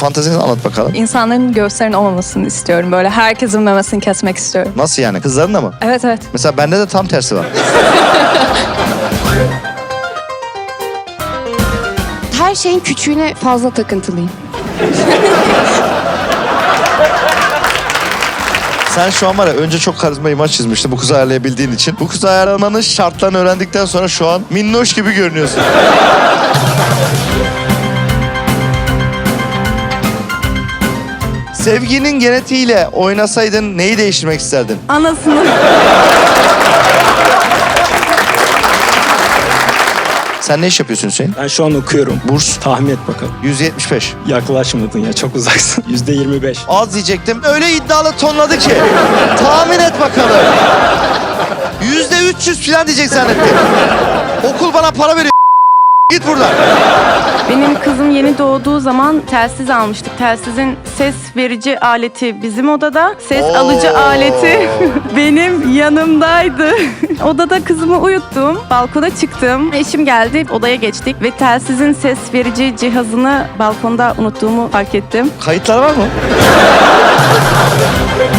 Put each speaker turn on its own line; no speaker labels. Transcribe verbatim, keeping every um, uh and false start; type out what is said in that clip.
fantezini anlat bakalım.
İnsanların göğüslerinin olmamasını istiyorum. Böyle herkesin memesini kesmek istiyorum.
Nasıl yani? Kızların da mı?
Evet evet.
Mesela bende de tam tersi var.
Her şeyin küçüğüne fazla takıntılıyım.
Sen şu an var ya, önce çok karizma imaj çizmiştin bu kızı ayarlayabildiğin için. Bu kızı ayarlamanın şartlarını öğrendikten sonra şu an minnoş gibi görünüyorsun. Sevginin genetiğiyle oynasaydın neyi değiştirmek isterdin?
Anasını.
Sen ne iş yapıyorsun Hüseyin?
Ben şu an okuyorum.
Burs
Tahmin et bakalım.
yüz yetmiş beş.
Yaklaşmadın ya, çok uzaksın. yüzde yirmi beş.
Az diyecektim. Öyle iddialı tonladı ki. Tahmin et bakalım. Yüzde üç yüz falan diyecek zannettim. Okul bana para veriyor. Git buradan.
Benim kızım yeni doğduğu zaman telsiz almıştık. Telsizin ses verici aleti bizim odada. Ses
Oo.
alıcı aleti benim yanımdaydı. Odada kızımı uyuttum. Balkona çıktım. Eşim geldi. Odaya geçtik ve telsizin ses verici cihazını balkonda unuttuğumu fark ettim.
Kayıtlar var mı?